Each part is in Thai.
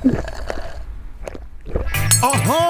อ๋อฮะ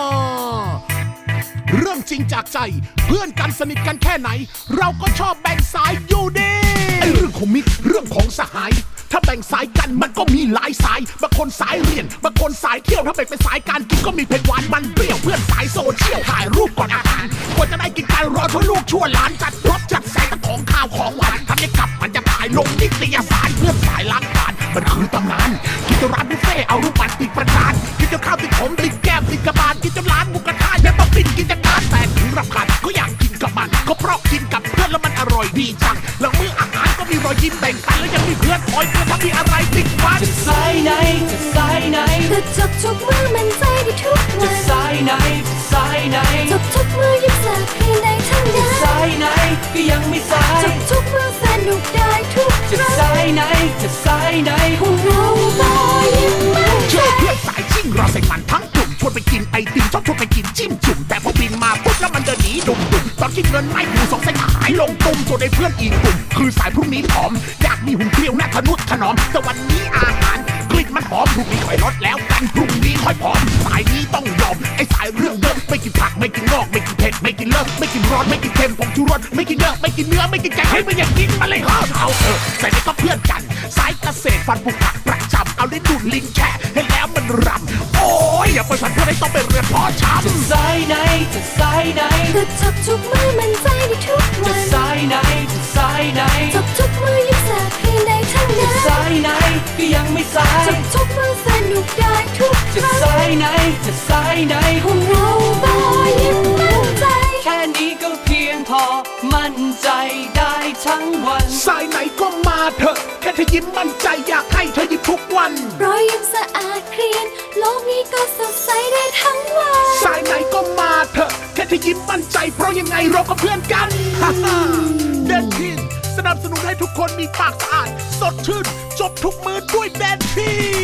เรื่องจริงจากใจเพื่อนกันสนิทกันแค่ไหนเราก็ชอบแบ่งสายอยู่ดีไอเรื่องของมิตรเรื่องของสหายถ้าแบ่งสายกันมันก็มีหลายสายบางคนสายเรียนบางคนสายเที่ยวถ้าแบ่งเป็นสายการกินก็มีเผ็ดหวานมันเปรี้ยวเพื่อนสายโซเชียลถ่ายรูปก่อนอาหารกว่าจะได้กินการรอชั่วลูกชั่วหลานจัดรถจัดแสงของข้าวของหวานทำให้กลับมันจะถ่ายลงนิตยสารเพื่อนสายล้างจานมันคือตำนานกินจนร้านบุฟเฟ่เอารูปมันติดประจานกินจนข้าวติดผมติดแก้มติดกระบาลกินจนร้านหมูกระทะยังต้องปิดกิจการแต่ถึงรำคาญก็อยากกินกับมันก็เพราะกินกับเพื่อนแล้วมันอร่อยดีจังหลังมื้ออาหารก็มีรอยยิ้มแบ่งปันแล้วยังมีเพื่อนคอยเตือนถ้ามีอะไรติดฟันจะสายไหนจะสายไหนก็จบทุกมื้อมันใจได้ทุกวัจะนสายไหนจะสายไหนจบทุกมื้อยิ้มแสบให้ได้ทั้งนั้จะนสายไหนก็ยังไม่สายจบทุกมื้อสนุกได้ทุกคจะรั้งสายไหนจะสายไหนพวกเราบอยยิ้มมั่นเชื่อเพื่อนสายชิ่งรอใส่มันทั้งกลุ่มชวนไปกินไอติมชอบชวนไปกินจิ้มจุ่มแต่พอบินมาปุ๊บแล้วมันเดินหนีดุ่มตอนคิดเงินไม่อยู่สองเส้นหายลงตุ่มส่วนไอ้เพื่อนอีกกลุ่มคือสายพรุ่งนี้ผอมอยากมีหุ่นเกลียวหน้าทะนุถนอมแต่วันนี้อาหารกลิ่นมันหอมพรุ่งนี้ค่อยลดแล้วกันพรุ่งนี้ค่อยผอมสายนี้ต้องยอมไอ้สายเรื่องเดิมไม่กินผักไม่กินงอกไม่กินเผ็ดไม่กินเลิกไม่กินร้อนไม่กินเค็มผงชูรสไม่กินเนื้อไม่กินเนื้อไม่กินไก่ให้มันอยากกินมาเลยเอาแต่นี่ก็เพื่อนกันสายเกษตรฟันปลูกผักประจำเอาได้ดูดลิงแค่ให้แล้วมันรำโอ้ยอย่าไปสั่นเพื่อนให้ต้องไปเรียนเพาะชำจะสายไหนจะสายไหนก็จบทุกมื้อมันใจได้ทุกจะวันสายไหนจะสายไหนจบทุกมื้อยิ้มแสบให้ได้ทั้งจะนั้นสายไหนก็ยังไม่สายจบทุกมื้อสนุกได้ทุกคจะรั้งสายไหนจะสายไหนพวกเราบอยยิ้มมั่นใจแค่นี้ก็เพียงพอมั่นใจได้ทั้งวันสายไหนก็มาเถอะแค่เธอยิ้มมั่นใจอยากให้เธอยิ้มทุกวันรอยยิ้มสะอาดเคลียนโลกนี้ก็สดใสได้ทั้งวันสายไหนก็มาเถอะแค่เธอยิ้มมั่นใจเพราะยังไงเราก็เพื่อนกันฮ่าฮ่าเดนทินสนับสนุนให้ทุกคนมีปากสะอาดสดชื่นจบทุกมือด้วยเดนทิน